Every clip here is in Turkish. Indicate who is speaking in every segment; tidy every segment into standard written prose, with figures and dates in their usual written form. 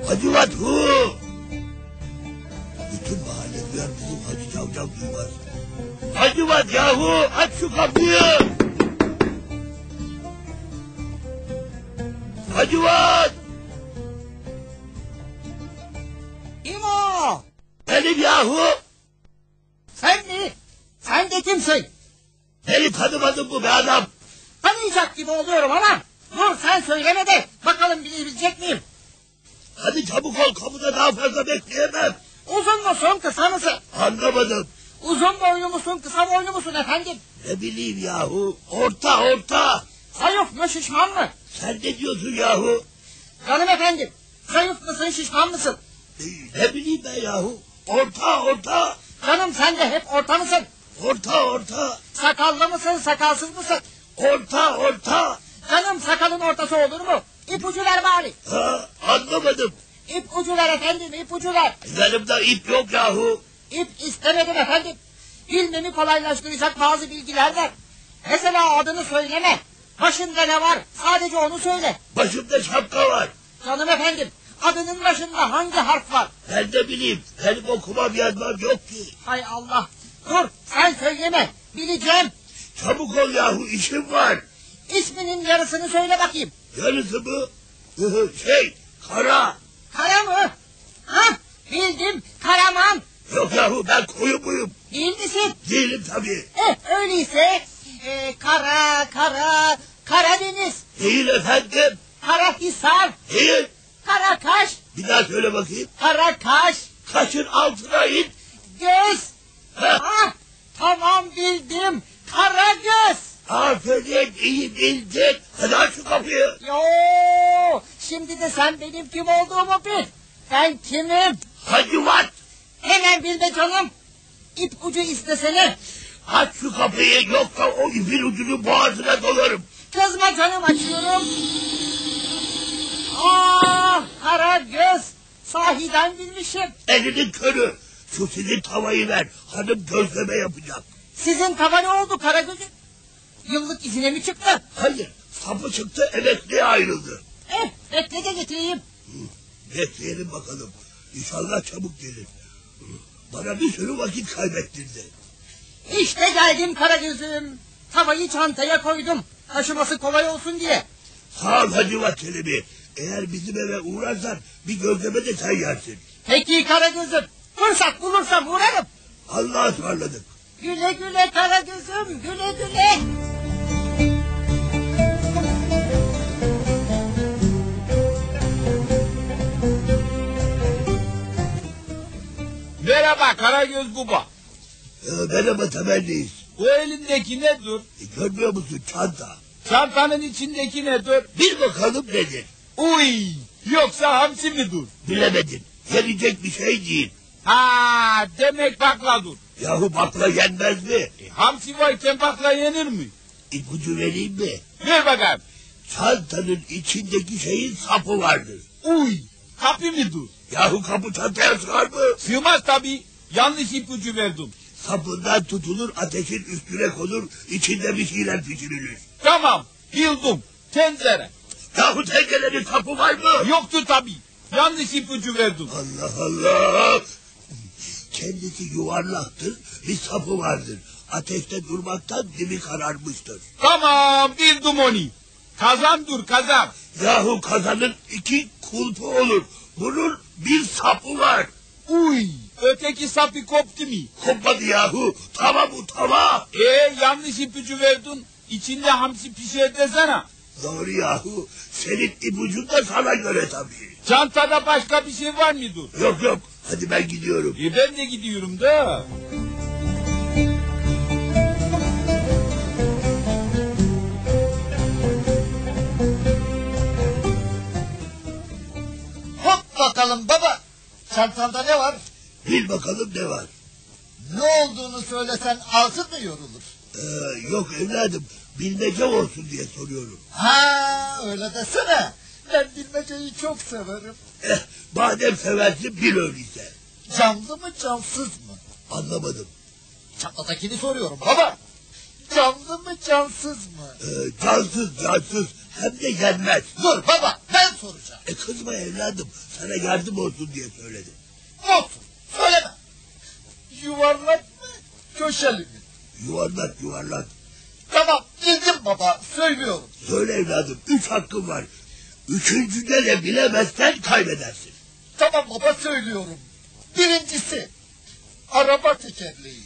Speaker 1: Hacivat hu! Bütün mahalle duyar, bizim Hacı Cavcav duymaz. Hacivat yahu, aç şu kapıyı! Hacivat!
Speaker 2: Kim o?
Speaker 1: Benim yahu!
Speaker 2: Sen mi? Sen de kimsin?
Speaker 1: Beni tanımadın mı be adam?
Speaker 2: Tanıyacak gibi oluyorum ama. Dur sen söyleme de bakalım bilebilecek miyim?
Speaker 1: Hadi çabuk ol, kapıda daha fazla bekleyemem.
Speaker 2: Uzun musun kısa mısın?
Speaker 1: Anlamadım.
Speaker 2: Uzun boylu musun kısa boylu musun efendim?
Speaker 1: Ne bileyim yahu, orta.
Speaker 2: Zayıf mı şişman mı?
Speaker 1: Sen ne diyorsun yahu?
Speaker 2: Canım efendim, zayıf mısın şişman mısın?
Speaker 1: Ne bileyim ben yahu, orta.
Speaker 2: Canım sen de hep orta mısın?
Speaker 1: Orta.
Speaker 2: Sakallı mısın sakalsız mısın?
Speaker 1: Orta.
Speaker 2: Canım sakalın ortası olur mu? İpucu ver bari.
Speaker 1: Ha, anlamadım.
Speaker 2: İpucu ver efendim, ipucu ver.
Speaker 1: Yanımda ip yok yahu.
Speaker 2: İp istemedim efendim. Bilmemi kolaylaştıracak bazı bilgiler ver. Mesela adını söyleme. Başında ne var? Sadece onu söyle.
Speaker 1: Başımda şapka var.
Speaker 2: Canım efendim, adının başında hangi harf var?
Speaker 1: Ben de bileyim. Benim okumam yazmam yok ki.
Speaker 2: Hay Allah. Dur, sen söyleme. Bileceğim.
Speaker 1: Çabuk ol yahu, işim var.
Speaker 2: İsminin yarısını söyle bakayım.
Speaker 1: Yarısı mı? Kara.
Speaker 2: Kara mı? Ha, bildim. Karaman.
Speaker 1: Yok yahu, ben koyu muyum?
Speaker 2: Değil misin?
Speaker 1: Değilim tabii.
Speaker 2: Öyleyse Karadeniz.
Speaker 1: Değil efendim.
Speaker 2: Karahisar.
Speaker 1: Değil.
Speaker 2: Karakaş.
Speaker 1: Bir daha söyle bakayım.
Speaker 2: Karakaş.
Speaker 1: Kaşın altına in.
Speaker 2: Göz.
Speaker 1: Heh.
Speaker 2: Ha, tamam bildim. Karagöz.
Speaker 1: Aferin, iyi bildin. Hadi aç şu kapıyı.
Speaker 2: Yo, şimdi de sen benim kim olduğumu bil. Ben kimim?
Speaker 1: Hacivat.
Speaker 2: Hemen bil be canım. İp ucu istesene.
Speaker 1: Aç şu kapıyı, yoksa o ipin ucunu boğazına dolarım.
Speaker 2: Kızma canım, açıyorum. Karagöz. Sahiden bilmişim.
Speaker 1: Elinin körü. Şu sizin tavayı ver. Hanım gözleme yapacak.
Speaker 2: Sizin tava ne oldu Karagöz'üm? Yıllık izine mi çıktı?
Speaker 1: Hayır, sapı çıktı, emekliye ayrıldı.
Speaker 2: Bekle de getireyim.
Speaker 1: Bekleyelim bakalım. İnşallah çabuk gelir. Bana bir sürü vakit kaybettirdi.
Speaker 2: İşte geldim Karagöz'üm. Tavayı çantaya koydum. Taşıması kolay olsun diye.
Speaker 1: Sağ ol Hacivat Çelebi. Eğer bizim eve uğrarsan bir gözleme de sen yersin.
Speaker 2: Peki Karagöz'üm. Fırsat bulursam uğrarım.
Speaker 1: Allah'a ısmarladık.
Speaker 2: Güle güle Karagöz'üm, güle güle.
Speaker 3: Merhaba Karagöz Baba.
Speaker 1: Merhaba temelliyiz.
Speaker 3: Bu elindeki nedir?
Speaker 1: Görmüyor musun, çanta?
Speaker 3: Çantanın içindeki nedir?
Speaker 1: Bir bakalım nedir?
Speaker 3: Uy, yoksa hamsi midir?
Speaker 1: Bilemedin. Yenecek bir şey değil.
Speaker 3: Ha, demek bakladır.
Speaker 1: Yahu bakla yenmez mi?
Speaker 3: Hamsi varken bakla yenir mi?
Speaker 1: İpucu vereyim mi?
Speaker 3: Ver bakalım.
Speaker 1: Çantanın içindeki şeyin sapı vardır.
Speaker 3: Uy, kapı mıdır?
Speaker 1: Yahu kapı çantaya sığar mı?
Speaker 3: Sığmaz tabii. Yanlış ipucu verdim.
Speaker 1: Sapından tutulur, ateşin üstüne konur, içinde bir şeyler pişirilir.
Speaker 3: Tamam, bildim. Tencere.
Speaker 1: Yahu tencerenin sapı var mı?
Speaker 3: Yoktu tabii. Yanlış ipucu verdim.
Speaker 1: Allah! Kendisi yuvarlaktır, bir sapı vardır. Ateşte durmaktan dibi kararmıştır.
Speaker 3: Tamam, bildim onu. Kazandır, kazan.
Speaker 1: Yahu kazanın iki kulpu olur. Bunun bir sapı var.
Speaker 3: Uy, öteki sapı koptu mu?
Speaker 1: Kopmadı yahu. Tava bu, tava.
Speaker 3: Yanlış ipucu verdin. İçinde hamsi pişer desene.
Speaker 1: Doğru yahu. Senin ipucun da sana göre tabii.
Speaker 3: Çantada başka bir şey var mıdır?
Speaker 1: Yok. Hadi ben gidiyorum.
Speaker 3: Ben de gidiyorum da.
Speaker 2: Hop bakalım baba. Çantanda ne var?
Speaker 1: Bil bakalım ne var.
Speaker 2: Ne olduğunu söylesen ağzın mı yorulur?
Speaker 1: Yok evladım. Bilmece olsun diye soruyorum.
Speaker 2: Ha, öyle desene. Ben bilmeceyi çok severim.
Speaker 1: Madem seversin bil öyleyse.
Speaker 2: Canlı mı cansız mı?
Speaker 1: Anlamadım.
Speaker 2: Çatladakini soruyorum baba. Canlı mı cansız mı?
Speaker 1: Cansız hem de yenmez.
Speaker 2: Dur baba, ben soracağım.
Speaker 1: Kızma evladım, sana yardım olsun diye söyledim.
Speaker 2: Olsun, söyleme. Yuvarlak mı, köşeli mi?
Speaker 1: Yuvarlak yuvarlak.
Speaker 2: Tamam, bildim baba, söylüyorum.
Speaker 1: Söyle evladım, 3 hakkın var. Üçüncüde de bilemezsen kaybedersin.
Speaker 2: Tamam baba, söylüyorum. Birincisi, araba tekerleği.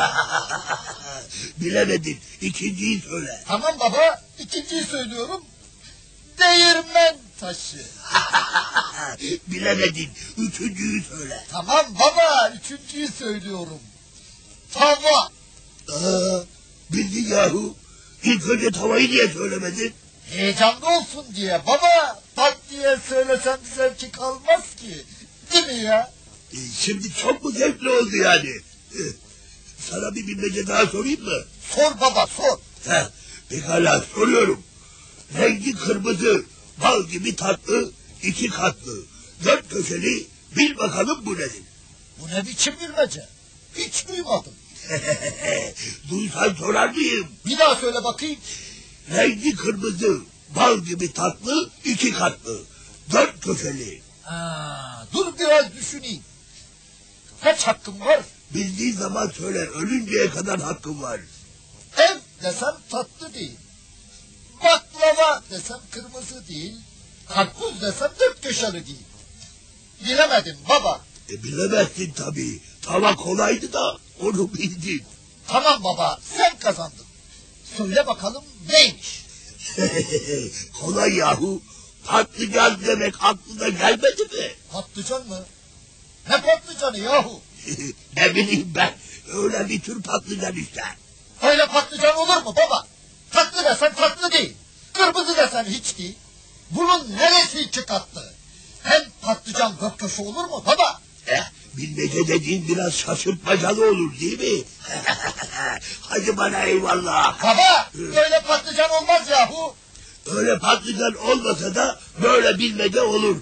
Speaker 1: Bilemedin, ikinciyi söyle.
Speaker 2: Tamam baba, ikinciyi söylüyorum. Değirmen taşı.
Speaker 1: Bilemedin, üçüncüyü söyle.
Speaker 2: Tamam baba, üçüncüyü söylüyorum. Tava.
Speaker 1: Bildin yahu. İlk önce tavayı niye söylemedin?
Speaker 2: Heyecanlı olsun diye baba. Pat diye söylesem zevki kalmaz ki. Değil mi ya?
Speaker 1: Şimdi çok mu zevkli oldu yani? Sana bir bilmece daha sorayım mı?
Speaker 2: Sor baba, sor.
Speaker 1: Pekala soruyorum. Rengi kırmızı, bal gibi tatlı, 2 katlı, 4 köşeli, bil bakalım bu nedir?
Speaker 2: Bu ne biçim bilmece? Hiç duymadım.
Speaker 1: Duysan sorar mıyım?
Speaker 2: Bir daha söyle bakayım.
Speaker 1: Rengi kırmızı, bal gibi tatlı, 2 katlı, 4 köşeli.
Speaker 2: Dur biraz düşüneyim. Kaç hakkım var?
Speaker 1: Bildiğin zaman söyle, ölünceye kadar hakkım var.
Speaker 2: Ev desem tatlı değil. Baklava desem kırmızı değil. Karpuz desem 4 köşeli değil. Bilemedim baba.
Speaker 1: Bilemezsin tabii. Tava kolaydı da onu bildin.
Speaker 2: Tamam baba, sen kazandın. Söyle bakalım neymiş?
Speaker 1: Kolay yahu. Patlıcan demek aklına gelmedi mi?
Speaker 2: Patlıcan mı? Ne patlıcanı yahu?
Speaker 1: Ne bileyim ben. Öyle bir tür patlıcan işte.
Speaker 2: Öyle patlıcan olur mu baba? Tatlı desen tatlı değil. Kırmızı desen hiç değil. Bunun neresi çıkarttı? Hem patlıcan göktaşı olur mu baba?
Speaker 1: Bilmece dediğin biraz şaşırtmacalı olur değil mi? Hadi bana eyvallah.
Speaker 2: Baba, böyle patlıcan olmaz yahu.
Speaker 1: Öyle patlıcan olmasa da böyle bilmece olur.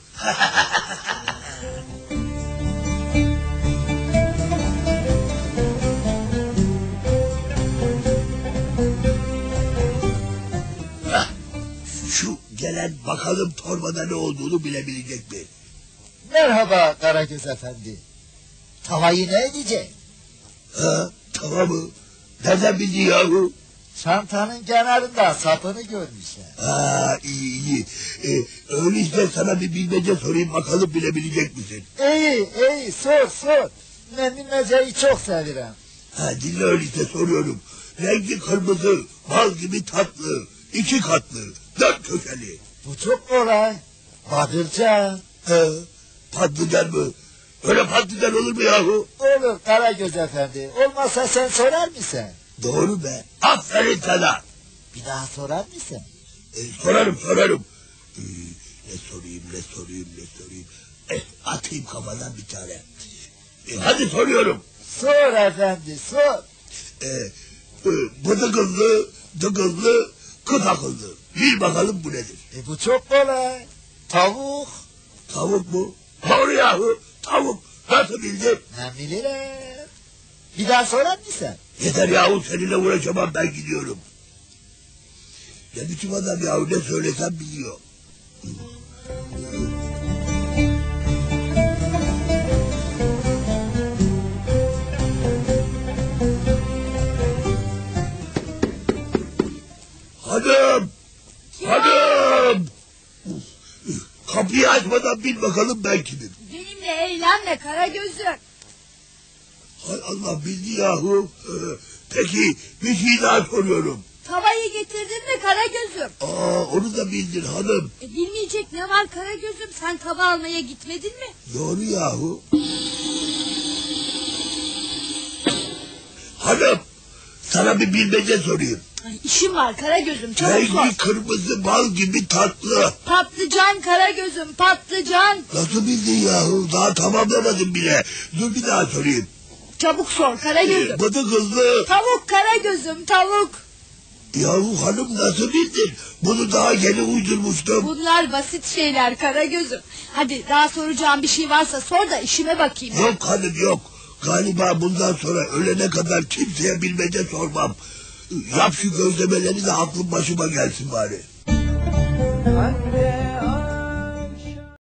Speaker 1: Şu gelen bakalım torbada ne olduğunu bilebilecek mi?
Speaker 2: Merhaba Karagöz Efendi. Tavayı ne edecek?
Speaker 1: Tamam mı? Nereden bildin yahu?
Speaker 2: Çantanın kenarında sapını görmüşler.
Speaker 1: İyi. Öyleyse sana bir bilmece sorayım bakalım bilebilecek misin?
Speaker 2: İyi, sor. Ben bilmeceyi çok severim.
Speaker 1: Dinle öyleyse soruyorum. Rengi kırmızı, bal gibi tatlı, 2 katlı, 4 köşeli.
Speaker 2: Bu çok kolay. Patlıcan.
Speaker 1: Patlıcan mı? Öyle patlıcan olur mu yahu?
Speaker 2: Olur Karagöz Efendi. Olmazsa sen sorar mısın?
Speaker 1: Doğru be. Aferin sana.
Speaker 2: Bir daha sorar mısın?
Speaker 1: Sorarım. Ne sorayım? Atayım kafadan bir tane. Hadi soruyorum.
Speaker 2: Sor efendi, sor.
Speaker 1: Dıgıllı, kıt akıllı. Bil bakalım bu nedir?
Speaker 2: Bu çok kolay. Tavuk.
Speaker 1: Tavuk mu? Doğru yahu. Tavuk. Nasıl bildin?
Speaker 2: Ne bilirim. Bir daha sorar mısın?
Speaker 1: Yeter yahu, seninle uğraşamam, ben gidiyorum. Ne biçim adam yahu, ne söylesem biliyor. Hanım! Kapıyı açmadan bil bakalım ben kimim.
Speaker 4: Benimle eğlenme Karagöz'üm.
Speaker 1: Hay Allah, bildi yahu. Peki bir şey daha soruyorum.
Speaker 4: Tavayı getirdin mi Karagöz'üm?
Speaker 1: Onu da bildin hanım.
Speaker 4: Bilmeyecek ne var Karagöz'üm? Sen tava almaya gitmedin mi?
Speaker 1: Doğru yahu. Hanım, sana bir bilmece sorayım.
Speaker 4: İşim var Karagöz'üm, çabuk sor.
Speaker 1: Rengi kırmızı, bal gibi tatlı.
Speaker 4: Patlıcan Karagöz'üm, patlıcan.
Speaker 1: Nasıl bildin yahu? Daha tamamlamadım bile. Dur bir daha sorayım.
Speaker 4: Çabuk sor Karagöz'üm.
Speaker 1: Bıdı kızlı.
Speaker 4: Tavuk Karagöz'üm, tavuk.
Speaker 1: Yahu hanım, nasıl bildin? Bunu daha yeni uydurmuştum.
Speaker 4: Bunlar basit şeyler Karagöz'üm. Hadi daha soracağım bir şey varsa sor da işime bakayım.
Speaker 1: Yok hanım, yok. Galiba bundan sonra ölene kadar kimseye bilmece sormam. Yap şu gözlemeleri de aklım başıma gelsin bari.
Speaker 5: Anne